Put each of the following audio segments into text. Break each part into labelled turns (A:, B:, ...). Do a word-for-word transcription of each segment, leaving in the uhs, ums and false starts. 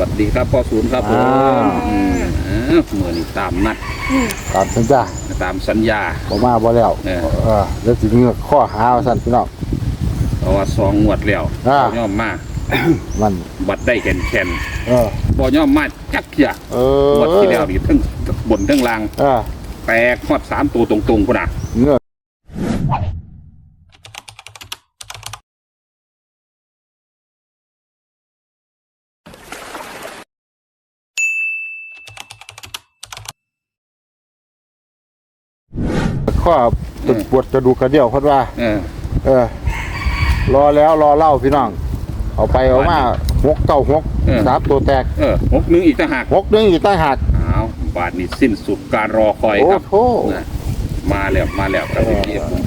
A: วัสดีครับพ่อศูนย์ครับผมเมื่อนี้ตามนัด
B: ตามสัญญา
A: ตามสัญญา
B: บ่มาบ่แล้วเออแล้วสิเงือกข้อหาสั่นพี่น้อง
A: เพราะว่าสองงวดแล้วย่อมมา
B: มัน
A: บัดได้แข็งแข็ง
B: เออ
A: บ่ย่อมมาจักเที่ย
B: เอ
A: องวดที่แล้วนี่ทั้งบนทั้งล่าง
B: เออ
A: แตกฮอดสามตัวตรงๆพุ่นน่ะ
B: เงือกข้อปวดกระดูกกระเดี่ยวเพิ่นว่า
A: เออ
B: เออรอแล้วรอเล่าพี่น้องเอาไปเอามาหกเก้าหกสามตัวแตก
A: เออหกนึงอีกต่างหาก
B: หกนึงอีกต่างหาก
A: อ้าวบาดนี้สิ้นสุดการรอคอยครับ
B: โอ้โห
A: มาแล้วมาแล้วครับพี่พี่ผม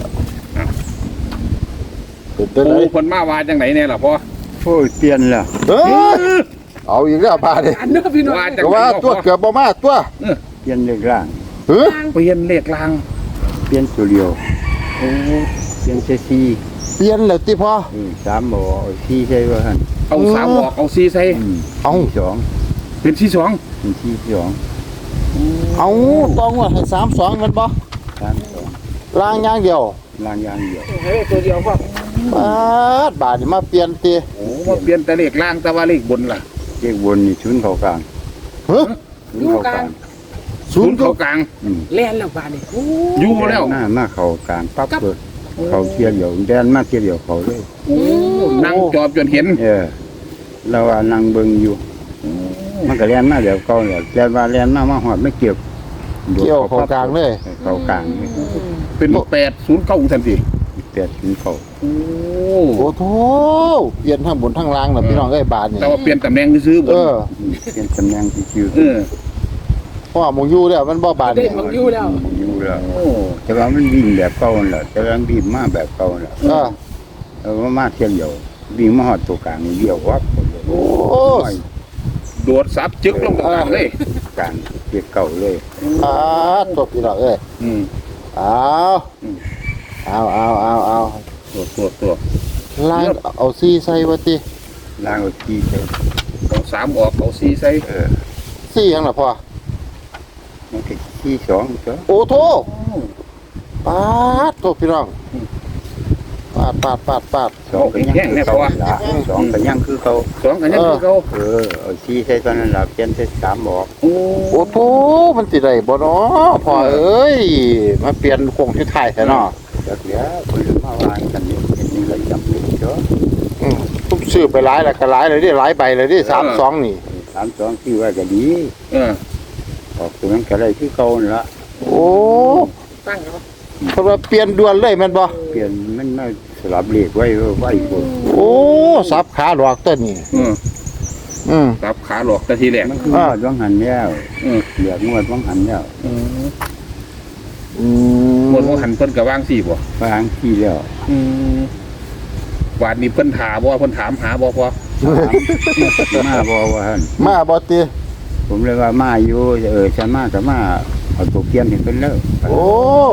B: ตื่นเต้นเลย
A: คนมาวาจังไหนเนี่ยล่ะพ่อ
C: โอ้ยเปลี่ยนแล้ว
B: เออเอาอีกแล้วพาดิ
A: ว่าจัง
B: ว่าตัวเกือบบ่มาตัว
C: เปลี่ยนเลขล่าง
B: เฮ้ย
A: เปลี่ยนเลขล่าง
C: เปลี่ยนตัวเดียวโอ้เปลี่ยนเซซี
B: เปลี่ยนแล้วติพ่อ
C: สามบ่สี่ใช่ป่ะท่าน
A: เอาสามบอกเอาสี่ใส่
B: เอา
C: สอง
A: เป็นที่สอง
C: เป็นที่สอง
B: เอาต้องว่าให้สามสองมันบ่
C: สามสอง
B: ล่างอย่างเดียว
C: ล่างอย่างเดียว
A: เฮ้ยตัวเดียวพ่อบ
B: าดบาดมาเปลี่ยนตี
A: โอ้มาเปลี่ยนแต่เลขล่างแต่ว่าเลขบนล่ะ
C: เลขบนนี่ชุนเขากลาง
B: เฮ้ย
C: ชุนเขากลาง
A: ศูนย์เขากลาง
D: แล่นแล้วบาดนี่
A: อยู่แล้ว
C: หน้ามาเขากลางปั๊บเลยเขาเทียบเดียวแดนมาเทียบเดียวเขาเลย
A: นั่งจอบจนเห็น
C: เออเราว่านั่งเบิ่งอยู่มันก็แล่นมาเดี๋ยวเขาเนี่ยแล่นว่าแล่นมามาหอดไม่เกี่ยว
B: เกี่ยวเขากลางเลย
C: เขากลาง
A: เป็นแปดศูนย์เก้าทันที
C: แปดศูนย์เขา
A: โอ้
B: โหโธ่เปลี่ยนทั้งบนทั้งล่างนะพี่น้องเอ้ยบาทนี่
A: แต่ว่าเปลี่ยนตำแหน่งซื้อบน
B: เออ
C: เปลี่ยนตำแหน่งที่ชื่อ
A: เออ
B: เพราะว่ามงยูแล้วมันบ่บาท
D: นี่มงยูแล้ว
C: มงยูแล้วแต่ว่ามันวิ่งแบบเก่าแหละแต่ว่าวิ่งมาแบบเก่าแหละ
B: เออ
C: เออมาเที่ยวเดียววิ่งมาหอดตัวกลางเดียววับ
B: โอ้
A: โดดซับจึกลงกลางเลย
C: กลางเกี่ยวเก่าเลย
B: อ่าตัวพี่น้องเอ้ย
A: อืม
B: เอาเอาเอาเอาเอา
A: ตัวตัวตัว
B: ล่างเอาซีใส่วัติ
C: ล่างเอาซีใส่
A: เอาสามออกเอาซีใส่
C: เออ
B: ซียังหรอพ่อ
C: มันติดซีสองตัว
B: โอ้โธ่ปาดตัวพี่น้องปาดปาดปาดปาด
C: สองกันยังคือเขาสองกันยังคือเขา
A: สองกันยังคือเขา
C: เออเอาซีใส่ตอนนั้นหลับเปลี่ยนใส่สามออก
B: โอ้โธ่มันติดได้บ่เนาะพ่อเอ้ยมาเปลี่ยนโครงที่ไทยแท้เนาะ
C: จักเดี๋ยวคนลืมมาวางกันนี่เห็นนี่เลยจำเป็นเจ้า
B: อืมทุกซื้อไปหลายแล้วก็หลายเลยดิหลายใบเลยดิสามสองนี่
C: สามสองที่ว่าก็ดี
A: เออ
C: ออกตัวนั้นก็ได้ที่เก่าละ
B: โอ้
D: ตั้งแล้ว
B: เพราะว่าเปลี่ยนด่วนเลยมันบ่
C: เปลี่ยนมันมาสลับเลขไว้ไว้คน
B: โอ้สับขาหลอกต้นนี่
A: อืม
B: อืม
A: สับขาหลอกแต่ทีแรก
C: มันคือว่าว่างหันแล้ว
A: อืม
C: เหลืองวดว่างหันแล้ว
A: อืมอืมหมดว่างหันเพิ่นก็วางสี่บ่
C: วางที่แล้ว
A: อืมวาดนี้เพิ่นถามบ่เพิ่นถามหาบ่พอ
C: มาบ่ว่าหั่น
B: มาบ่ติ
C: ผมเลยว่ามาอยู่เออฉันมาแต่มาเอาตัวเกียนเห็นเป็นแล้ว
B: โอ้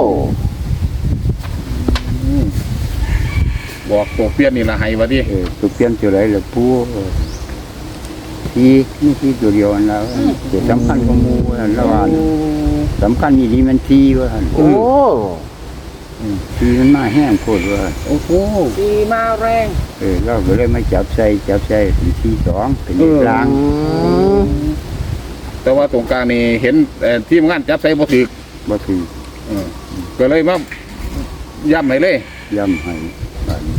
A: บอกตัวเปลี่ยนนี่ละให้วะดิ
C: เออตัวเกียนตัวไหนล่ะปูที่นี่ที่ตัวเดียวนั่นแล้วตัวสำคัญของหมู่นั่นละว่าสำคัญนี่ดีมันทีว่าหั่น
B: โอ้
C: ทีมันมาแห้งโคตรว่า
A: โอ้โห
D: ทีมาแรง
C: เออเราก็เลยไม่จับใส่จับใส่เป็นทีสองเป็นกลาง
A: แต่ว่าตรงกลางนี่เห็นทีมงานจับใส่บ่ถึก
C: บ่ถึก
A: ก็เลยมาย่ำให้เลย
C: ย่ำให้บ้าน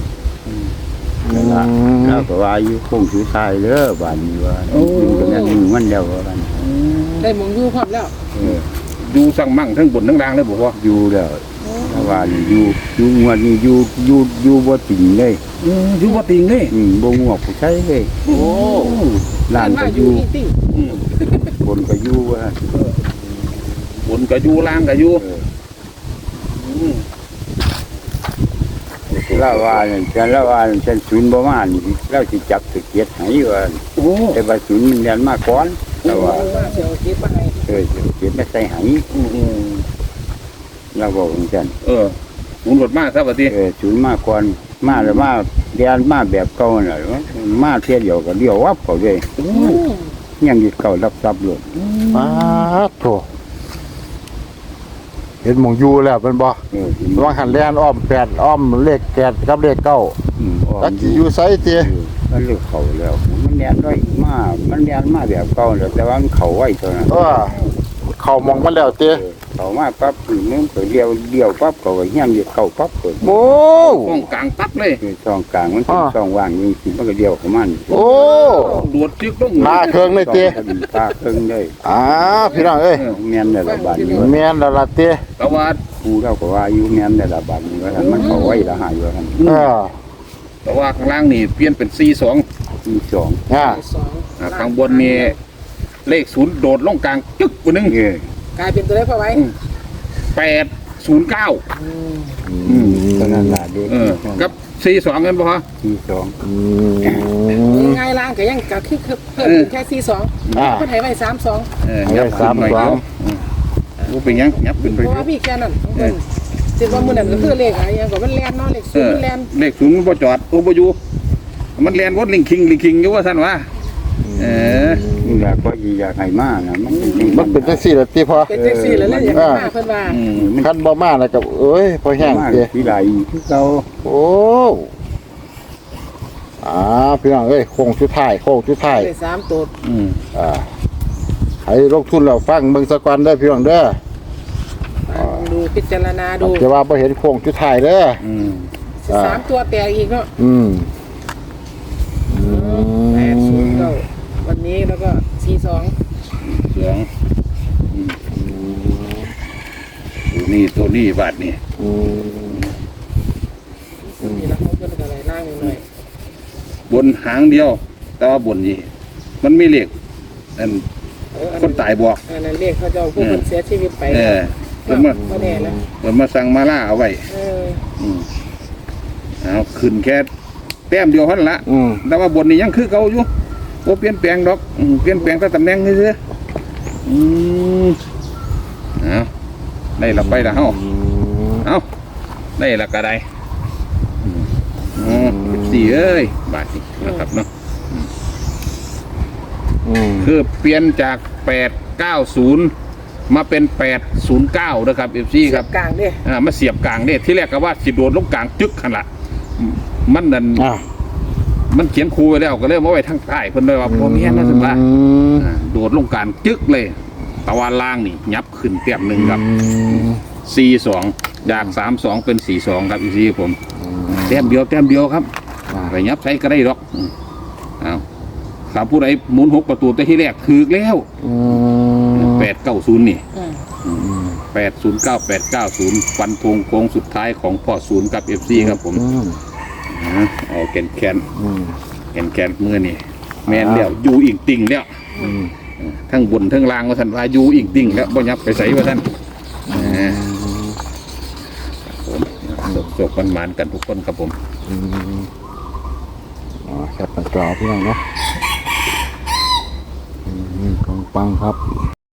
C: แล้วก็ว่าอยู่คงสุดท้ายเด้อบ้านนี้ว่าอยู่กันนั้นมันแล้วว่าบ้าน
D: ได้มงยูพร้อมแล้ว
A: อยู่สั่งมั่งทั้งบนทั้งล่างเลยบอกว่า
C: อยู่แล้วว่าอยู่อยู่งวดนี้อยู่อยู่อยู่บ่ติงเลย
A: อยู่บ่ติงเลย
C: อืมบ่งวกผู้ใช้เลย
A: โอ้
C: ล่างก็อยู่บนก็อยู่ว่า
A: บนก็อยู่ล่างก็อยู่
C: แล้วว่าฉันแล้วว่าฉันศูนย์บ่มานี่แล้วสิจับสิเกียรติให้ว่าแต่ว่าศูนย์มันเรียนมาก่อนแล้วว่า
D: เสียวเก็บมาให้
C: เออเก็บมาใส่ให้เราบอกเหมือนกัน
A: เออหมุนรถมาซะบัดนี้
C: เออศูนย์มาก่อนมาแล้วมาเรียนมาแบบเก่าน่ะมาเที่ยวเดียวก็เดียววับเขาเลยยังยึดเก่ารับทรัพย์หลุด
B: มาโถเห็นหมองอยู่แล้วเป็นบ่
C: เออ
B: ระวังหันแลนอ้อมแปดอ้อมเลขแปดกับเลขเก้า
C: อืม
B: จักสิอยู่ไสเติ
C: มันเลือกเขาแล้ว มันแดนด้วยมามันแดนมาแบบเก่าแล้วแต่ว่ามันเขาไว้เท่านั้น
B: เออเข้ามองมาแล้วเติ
C: เออเขามาปั๊บมึงเปิดเดียวเดียวปั๊บเขาก็ยังยึดเก่าปั๊บเปิด
B: โอ้
A: ห้องกลางปั๊บเลย
C: คือช่องกลางมันเป็น
B: อ่า
C: ช่องว่างนี่สิมันก็เดียวของมัน
B: โอ้
A: ดวดจึกต้อง
B: มาเครื่องเลยเติ
C: ตาเครื่องเลย
B: อ้าพี่น้องเอ้ย
C: แม่นในระบาดนี้
B: แม่นแล้วล่ะเติ
A: แต่ว่า
C: ครูเราก็ว่าอยู่แม่นในระบาดนี้ว่ามันเขาไว้ละหายอยู่ท่าน
B: เออ
A: แต่ว่าข้างล่างนี่เปลี่ยนเป็นสี่สอง
C: ที่สอง
B: อ่า
D: สอง
A: ข้างบนนี่เลขศูนย์โดดลงกลางจึ๊กตัวหนึง
C: เออก
D: ลายเป็นตัวเลขพอไว้
A: แปดศูนย์เก้า
B: อืม
C: ตอนนั้นล่ะเด็ก
A: เออกับสี่สองกันปะฮะ
C: ที่สอง
B: อืม
D: ง่ายล่างก็ยังก็คือเพิ่มเป็นแค่สี่สอง
B: อ่า
D: คนไทยไว้สามสอง
A: เออ
B: เอาไว้
A: ยับขึ้นหน่อย
B: สามสอง
A: เดียวอืมกูเป็นยังยับขึ้นไป
D: เพราะว่าพี่แค่นั้นของเพิ่นสิว่ามื้อนั้นก็คือเลขอะไรอย่างก็มันแล่นเนาะเลข
A: เอ
D: ศูน
A: อ
D: ย์แล่น
A: เลขศูนย์มันบ่จอดโอ้บ่อยู่มันแลนวดลิงคิงลิงคิงอยู่ว่าท่านว่าเออ
C: นี่แหละก็อยากให้มานะมันเป็นจัง
B: มันเป็นจังซี่ล่ะติพอ
D: เป็นจังซี่แล้วเลยอย่างมาเพิ่นว่า
A: อืม
C: มัน
B: คันบ่มาแล้วก็เอ้ยพอแห้ง
C: มา
B: เติ
C: ที่ไหลที่เก่า
B: โอ้อ่าพี่น้องเอ้ยโค้งสุดท้ายโค้งสุดท้าย
D: ได้สามตัว
A: อืม
B: อ่าให้ลงทุนแล้วฟังเบิ่งสะก่อนเด้อพี่น้องเด้อ
D: ดูพิจารณาดู
B: แต่ว่าบ่เห็นโค้งสุดท้ายเด้อ
A: อืม
D: สามตัวแตกอีกเนาะ
B: อืมอื
D: แปดศูนย์
B: ม
D: เก้าวันนี้แล้วก็สี่สอง
A: สองอืมตัวนี้ตัวนี้บาทนี่
B: อืม
D: นี่แล้วเขาเพิ่นก็ไหลล่างหน่อย
A: บนหางเดียว แต่ว่าบนนี่มันมีเลขอัน
D: เอออัน
A: คนตายบอก
D: อันนั้นเลขเขาจะเอาผู้คนเสียชีวิตไป
A: เออเพิ่นมา
D: ก็แน่แล้ว
A: เพิ่นมาสั่งมาล่าเอาไว้
D: เออ
A: อืมเอาขึ้นแค่แต้มเดียวเท่านั้นละ
B: อืม
A: แต่ว่าบนนี่ยังคือเก่าอยู่โอ้เปลี่ยนแปลงดอกอืมเปลี่ยนแปลงแต่ตำแหน่งนี่เด้ออืมเอาได้ละไปละเฮาเอาได้ละก็ได้อืมอ๋อสี่เอ้ยบาทนี่นะครับเนาะ
B: อืม
A: คือเปลี่ยนจากแปดเก้าศูนย์มาเป็นแปดศูนย์เก้านะครับเอฟซีครับ
D: กลางเด้
A: อ่ามาเสียบกลางเนี่ยที่แรกก็ว่าสิโดดลงกลางจึกขันละอืมมันนั่น
B: อ่ะ
A: มันเขียนคูไว้แล้วก็เลยมาไว้ทางใต้เพิ่นเลยว่าพอมีนะสิว่า
B: อืม
A: อ่าโดดลงกลางจึกเลยตะวันล่างนี่ยับขึ้นเต็มหนึ่งครับสี่สองจากสามสองเป็นสี่สองครับอีซีผมแต้มเดียวแต้มเดียวครับไปยับใช้ก็ได้หรอกอืมอ้าวถ้าผู้ใดหมุนหกประตูแต่ที่แรกถือแล้ว
B: อืม
A: แปดเก้าศูนย์นี่
D: อืม
A: แปดศูนย์เก้าแปดเก้าศูนย์ฟันธงโค้งสุดท้ายของพ่อศูนย์กับเอฟซีครับผม
B: อืม
A: อ่าเอาแกนแคน
B: อืม
A: แกนแคนมือนี่แมนแล้วอยู่อิงติ่งแล้ว
B: อืม
A: ทั้งบนทั้งล่างว่าท่านว่าอยู่อิงติ่งแล้วบ่ยับไปใส่ว่าท่านอ่าครับผมจบกันมานๆกันทุกคนครับผม
B: อืมอ๋อแค่ปัญจอพี่น้องเนาะอืมปังๆครับ